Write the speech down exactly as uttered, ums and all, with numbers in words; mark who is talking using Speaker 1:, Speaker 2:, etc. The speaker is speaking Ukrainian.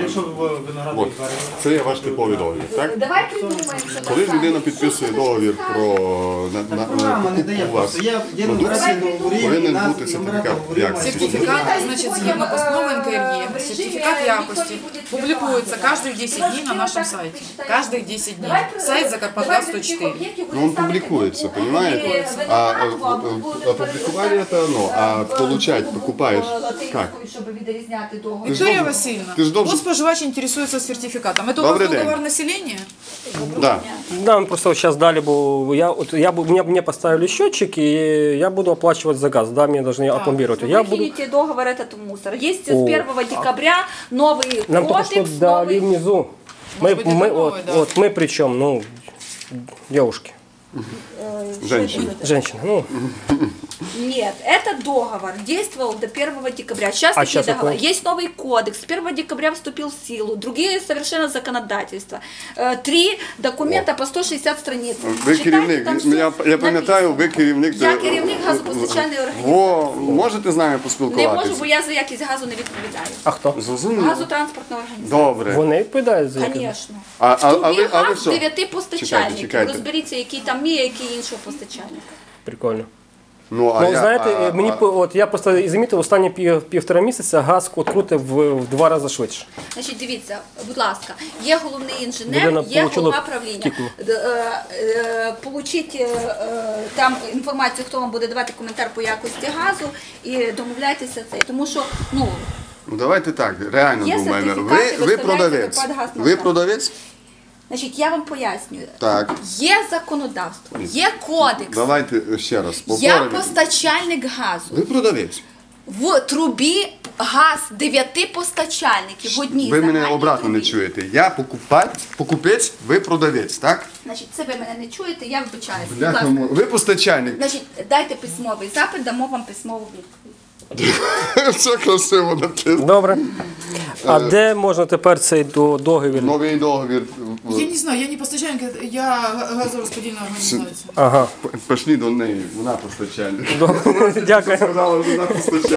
Speaker 1: якщо ви виноградний
Speaker 2: От, це є ваш типовий договір, так?
Speaker 3: Давай придумаємо, що
Speaker 2: Коли людина підписує договір про на, на, на
Speaker 1: Програма не дає
Speaker 2: покупку у вас
Speaker 1: просто. Є, є
Speaker 2: продукції,
Speaker 1: нумерація договорів,
Speaker 2: повинен
Speaker 1: нас-
Speaker 2: бути сертифікат
Speaker 1: договорів
Speaker 2: якості.
Speaker 1: має бути.
Speaker 4: Сертификат, значит, згідно постанови эн ка эр е, сертификат якости публикуется каждые десять дней на нашем сайте. Каждых десять дней. Сайт Закарпатгаз сто четыре.
Speaker 2: Ну, он публикуется, понимаете? А, а, а опубликовали это оно, а получать, покупаешь как?
Speaker 3: Щоб відрізняти договір.
Speaker 4: Виктория
Speaker 2: должен-
Speaker 4: Васильевна,
Speaker 2: ты ж должен-
Speaker 4: вот споживач интересуется сертификатом. Это у
Speaker 2: Добрый
Speaker 4: вас
Speaker 2: день.
Speaker 4: договор населения?
Speaker 2: Да.
Speaker 5: Нам просто сейчас дали бы, я, вот, я, бы- мне, мне поставили счетчик, и я буду оплачивать за газ, да, мне должны опломбировать. Я буду,
Speaker 3: Выкинете договор этот в мусор. Есть
Speaker 5: О.
Speaker 3: с первого декабря новый
Speaker 5: нам только что
Speaker 3: кодекс,
Speaker 5: дали
Speaker 3: новый...
Speaker 5: внизу. Мы,
Speaker 4: Может быть, это
Speaker 5: мы,
Speaker 4: новый,
Speaker 5: вот,
Speaker 4: да?
Speaker 5: вот мы причем, ну, девушки,
Speaker 2: Женщина.
Speaker 5: женщины, ну,
Speaker 3: Нет, этот договор действовал до первого декабря. Сейчас
Speaker 5: А
Speaker 3: такие
Speaker 5: сейчас
Speaker 3: договора.
Speaker 5: какой?
Speaker 3: Есть новый кодекс. С первого декабря вступил в силу. Другие совершенно законодательства. Э, Три документа по сто шестьдесят страниц.
Speaker 2: Ви
Speaker 3: Читайте,
Speaker 2: керівник,
Speaker 3: там
Speaker 2: я, я
Speaker 3: все
Speaker 2: пам'ятаю, ви керівник...
Speaker 3: Я керівник газопостачальної організації.
Speaker 2: Во, можете з нами
Speaker 3: Не можу,
Speaker 2: поспілкуватися?
Speaker 3: бо я за якість газу не відповідаю.
Speaker 5: а хто?
Speaker 2: Зрозуміло.
Speaker 3: Газотранспортна організація.
Speaker 2: Добре.
Speaker 5: Вони відповідають за яке?
Speaker 3: Звісно.
Speaker 2: А, а, а,
Speaker 3: Тобі
Speaker 2: ви, а ви
Speaker 3: газ
Speaker 2: що?
Speaker 3: дев'яти
Speaker 2: Чекайте,
Speaker 3: постачальників.
Speaker 2: чекайте.
Speaker 3: Розберіться, який там є, який іншого постачальника.
Speaker 5: Прикольно.
Speaker 2: Ну, а
Speaker 5: Ну,
Speaker 2: я,
Speaker 5: знаєте,
Speaker 2: а,
Speaker 5: мені,
Speaker 2: а,
Speaker 5: по- от, я просто замітив, останні пів, півтора місяця газ от крутив в, в два рази швидше.
Speaker 3: Значить, дивіться, будь ласка, є головний інженер,
Speaker 5: Людина
Speaker 3: є
Speaker 5: получила
Speaker 3: голова правління.
Speaker 5: втікла.
Speaker 3: Д- е, е, Получіть е, е, там інформацію, хто вам буде давати коментар по якості газу, і домовляйтеся це. Тому що, ну,
Speaker 2: Ну, давайте так, реально
Speaker 3: Є
Speaker 2: думаємо.
Speaker 3: сертифікати,
Speaker 2: Ви, ви
Speaker 3: виставляєте
Speaker 2: продавець.
Speaker 3: Карпатгаз на
Speaker 2: Ви
Speaker 3: сайт.
Speaker 2: продавець?
Speaker 3: значить, я вам пояснюю.
Speaker 2: Так.
Speaker 3: Є законодавство, є кодекс,
Speaker 2: Давайте ще раз.
Speaker 3: я
Speaker 2: повторимо.
Speaker 3: постачальник газу.
Speaker 2: Ви продавець.
Speaker 3: В трубі газ дев'яти постачальників в одній
Speaker 2: Ви мене
Speaker 3: загальній
Speaker 2: обратно не
Speaker 3: трубі.
Speaker 2: чуєте. Я покупець, покупець, ви продавець, так?
Speaker 3: Значить, це ви мене не чуєте, я вибачаюся. Будь
Speaker 2: Бляха,
Speaker 3: ласка.
Speaker 2: ви постачальник.
Speaker 3: Значить, дайте письмовий запит, дамо вам письмову відповідь.
Speaker 2: Все красиво написано.
Speaker 5: Добре. А де можна тепер цей до- договір?
Speaker 2: Новий договір.
Speaker 4: Я не знаю, я не постачальник, я газораспределительная организация.
Speaker 5: Ага.
Speaker 2: Пішли до неї, вона постачальник.
Speaker 5: Добре. Дякую.
Speaker 2: Сказала, вона постачальник.